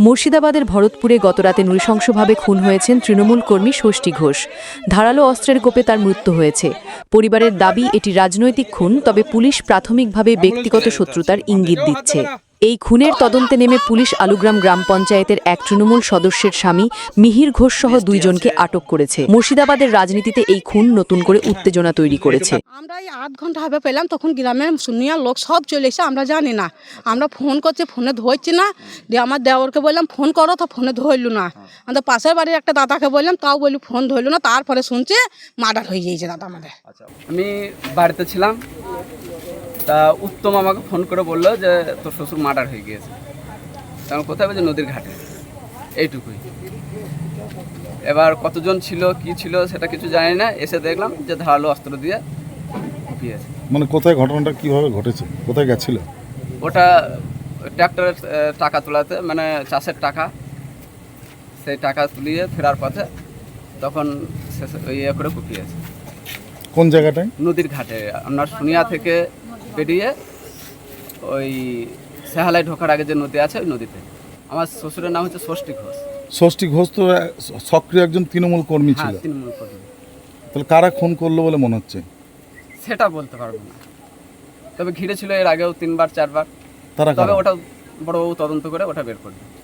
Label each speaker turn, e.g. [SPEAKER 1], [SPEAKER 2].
[SPEAKER 1] মুর্শিদাবাদের ভরতপুরে গতরাতে নৃশংসভাবে খুন হয়েছেন তৃণমূল কর্মী ষষ্ঠী ঘোষ। ধারালো অস্ত্রের কোপে তার মৃত্যু হয়েছে। পরিবারের দাবি এটি রাজনৈতিক খুন, তবে পুলিশ প্রাথমিকভাবে ব্যক্তিগত শত্রুতার ইঙ্গিত দিচ্ছে। এই খুনের তদন্তে নেমে পুলিশ আলুগ্রাম গ্রাম পঞ্চায়েতের এক তৃণমূল সদস্যের স্বামী মিহির ঘোষ সহ দুইজনকে আটক করেছে। মুর্শিদাবাদের রাজনীতিতে এই খুন নতুন করে উত্তেজনা তৈরি করেছে।
[SPEAKER 2] আমরা এই 8 ঘন্টা হবে পেলাম, তখন গ্রামের শুনিয়া লোক সব চলে এসে, আমরা জানি না। আমরা ফোন করছি, ফোনে ধরছি না। দিয়ে আমার দেওরকে বললাম ফোন করো, তো ফোনে ধরল না। আমাদের পাশের বাড়ির একটা দাদাকে বললাম, তাও বলি ফোন ধরল না। তারপরে শুনছে মার্ডার হয়ে গিয়েছে দাদা আমাদের।
[SPEAKER 3] আমি বাড়িতে ছিলাম, তা উত্তম আমাকে ফোন করে বললো যে তোর শ্বশুর মার্ডার হয়ে গিয়েছে। তখন কোথায় বলছে নদীর ঘাটে, এইটুকুই। এবার কতজন ছিল কি ছিল সেটা কিছু জানি না, এসে দেখলাম যে ধারালো অস্ত্র দিয়ে কুপিয়েছে।
[SPEAKER 4] মানে কোথায় ঘটনাটা কিভাবে ঘটেছে, কোথায় গেছিল?
[SPEAKER 3] ওটা ট্র্যাক্টরের টাকা তোলাতে, মানে চাষের টাকা, সেই টাকা তুলিয়ে ফেরার পথে তখন ইয়ে করে কুপিয়েছে।
[SPEAKER 4] কোন জায়গাটায়?
[SPEAKER 3] নদীর ঘাটে, আপনার সোনিয়া থেকে বেরিয়ে ওই সেহালায় ঢোকার আগে যে নদী আছে ওই নদীতে। আমার শ্বশুরের নাম হচ্ছে ষষ্ঠী ঘোষ।
[SPEAKER 4] ষষ্ঠী ঘোষ তো সক্রিয় একজন তৃণমূল কর্মী ছিল।
[SPEAKER 3] হ্যাঁ, তৃণমূল কর্মী।
[SPEAKER 4] তাহলে কারা খুন করলো বলে মনে হচ্ছে?
[SPEAKER 3] সেটা বলতে পারবো না, তবে ঘিরে ছিল এর আগেও 3বার 4বার।
[SPEAKER 4] তারা
[SPEAKER 3] তবে
[SPEAKER 4] কারা?
[SPEAKER 3] ওটা বড়বাবু তদন্ত করে ওটা বের করবে।